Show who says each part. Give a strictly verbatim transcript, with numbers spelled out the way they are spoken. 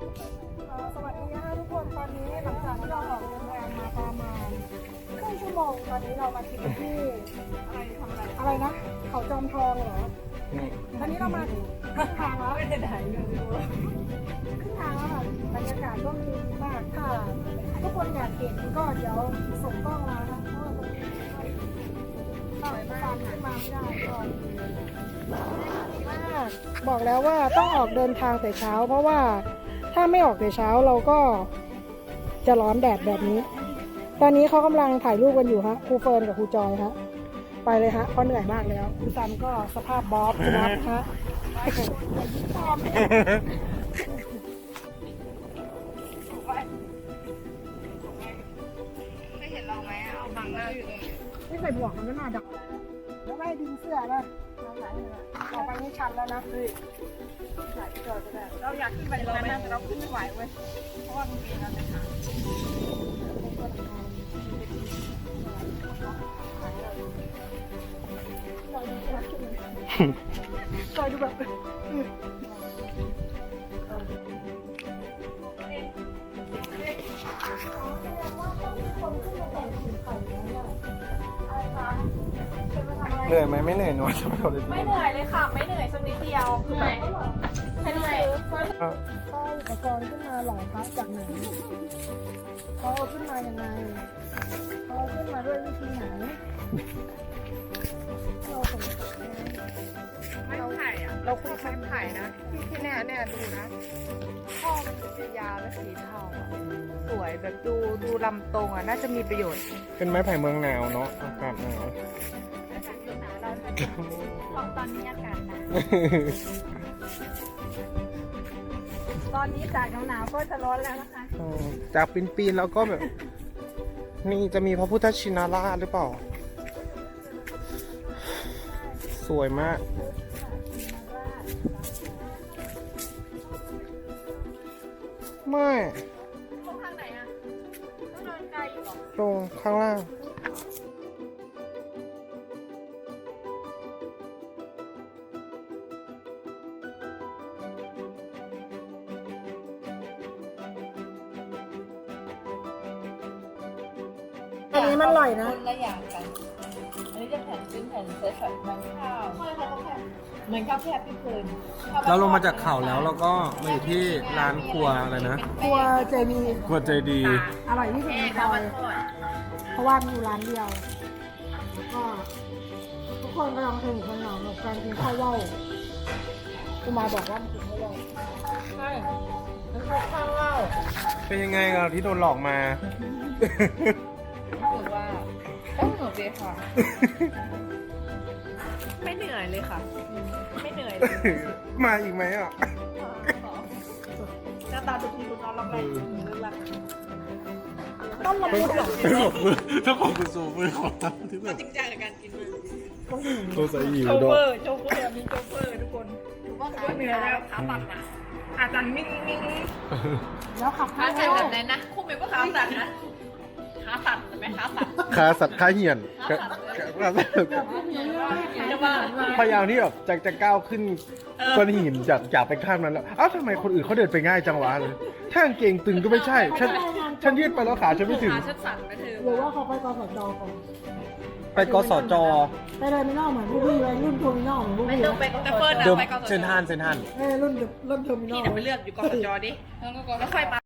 Speaker 1: สวัสดีค่ะทุกคนตอนนี้หลังจากที่เราออกเดินทางมาประมาณครึ่งชั่วโมงตอนนี้เรามาถึงที่อะไรทำอะไรอะไรนะเขาจอมทองเหรอตอนนี้เรามาครึ่งทางแล้วไม่ได้ไหนเลยครึ่งทางแล้วค่ะบรรยากาศร่มรื่นมากค่ะทุกคนอยากเห็นก็เดี๋ยวส่งกล้องมานะเพราะว่าตรงนี้ก็ตามขึ้นมาไม่ได้ก็มากบอกแล้วว่าต้องออกเดินทางแต่เช้าเพราะว่าถ้าไม่ออกแต่เช้าเราก็จะร้อนแดดแบบนี้ตอนนี้เขากำลังถ่ายรูปกันอยู่ฮะครูเฟิร์นกับครูจอยฮะไปเลยฮะเพราะเหนื่อยมากแล้วครูซันก็สภาพบ๊อบนะฮะ
Speaker 2: ไม่เห็นเราไหมเอาบังหน้าอยู่เลย
Speaker 1: ไม่ใส่หมวกมันไม่น่าดักแล้วไม่ดึงเสื้อนะต่อไปนี่ชันแล้วนะเฮ้ย
Speaker 2: เราอยากขึ้นไปตรงนั้นแต่เราขึ้นไม่ไหวเว้ยเพราะว่ามันมีเราจะขา
Speaker 1: คอยดูแบบ
Speaker 3: เหนื่อยไหมไม่เหนื่อยหนูจะไม่เอาเลย
Speaker 2: ไม่เหนื่อยเลยค่ะ ไม่เหนื่อยสักนิดเดียวคือไหมไม่เหนื่อย
Speaker 1: ก็อุปกรณ์ขึ้นมาหล่อพระจากไหนเขาเอาขึ้นมายังไงเขาเอาขึ้นมาด้วยวิธีไหนเราสงสัย
Speaker 2: ไม่ไผ่อะเราคุยไม้ไผ่นะที่แน่แน่ดูนะข้อมันจะยาวและสีเทาอะสวยแบบดูดูลำตรงอ่ะน่าจะมีประโยชน์
Speaker 3: เป็นไม้ไผ่เมืองหนาวเนาะอากาศหนาว
Speaker 2: ตอนนี้อากาศหนาวตอนนี้จากหนาวๆก็จะร้อนแล้วนะคะ
Speaker 3: อืมจากปีนๆแล้วก็แบบ นี่จะมีพระพุทธชินราชหรือเปล่า สวยมาก ไม่
Speaker 2: ตรงทางไหนอ่ะต้องเดินไกลอยู่หรอ
Speaker 3: ตรงข้างล่าง
Speaker 1: อันนี้มันอร่อยนะ
Speaker 2: คนละอย่างกัน อันนี้จะแผ่นเป็นแผ่นเซตแบบมันข้าวใช่ค่ะต้องแผ่นเหมือนข้าวแคบพี่เพิร์น
Speaker 3: เราลงมาจากเขาแล้วเราก็มาอยู่ที่ร้านครัวอะไรนะ
Speaker 1: ครัวเจมี
Speaker 3: ครัวใจดี
Speaker 1: อร่อยที่สุดในซอยเพราะว่ามีอยู่ร้านเดียวก็ทุกคนกำลังสนุกสนานกับการกินข้าวเว้ากูมาบอกว่ามันกินข้าวเว้าใช่มันคือข้าวเว้า
Speaker 3: เป็นยังไงกับที่โดนหลอกมา
Speaker 2: รู้สึกว่าต้องสนุกดีค่ะ ไม่เหนื่อยเลยค่ะ ไม่เหนื่อยเลย
Speaker 3: มาอีกไหมอ่ะ
Speaker 2: หน้าตาดูดีดูนอนรับแรงเรื่องรัก
Speaker 1: ต้มละมุนเหรอ
Speaker 3: ไม่บอกมือถ้าของคุณสูมือขอทำที่แบบ
Speaker 2: จริงจังกับการกินเลย
Speaker 3: ตัวใส่หิว
Speaker 2: โช
Speaker 3: ด้
Speaker 2: เฟ
Speaker 3: ว
Speaker 2: อย ร์โชเฟอร์มีโชเฟอร์ทุกคนก็เหนื่อยแล้วขาตัดอ่ะขาตันมิ่งมิ่ง
Speaker 1: แล้วขับ
Speaker 2: ขา
Speaker 1: ข้าว
Speaker 2: ตัด
Speaker 1: เว้า
Speaker 2: แบบไหนนะคู่มิวก็ขาตัดนะขาตัดใช่ไหมขาตัด
Speaker 3: ขาสัตว์ขาเหี่ยนขาขาสัตว์
Speaker 2: จะว่า
Speaker 3: พยายามที่แบบจะจะก้าวขึ้นก้อนหินจากจากไปข้ามนั้นแล้วอ้าวทำไมคนอื่นเขาเดินไปง่ายจังวะเลยถ้ากางเกงตึงก็ไม่ใช่ ฉันฉันยืดไปแล้วขาฉันไม่ถึง
Speaker 2: ขาฉันสั่นนะเธอ
Speaker 1: หรือว่าเขาไปกสจก่อน
Speaker 3: ไปกสจ
Speaker 1: ไปเลยไม่นอกเหมือนพวกพี่เลยรุ่นโทมินอลเหมือนพวก
Speaker 2: ไม่
Speaker 1: พี่
Speaker 2: ต้องไปแต่เฟิร์น
Speaker 3: เดิม
Speaker 2: ไปกส
Speaker 3: เซนทานเซนทาน
Speaker 1: เอ้ยรุ่นรุ่นโทมินอ
Speaker 2: พี่
Speaker 1: ล
Speaker 2: น่ะไปเลือกอยู่กสจดิแล้วค่อยมา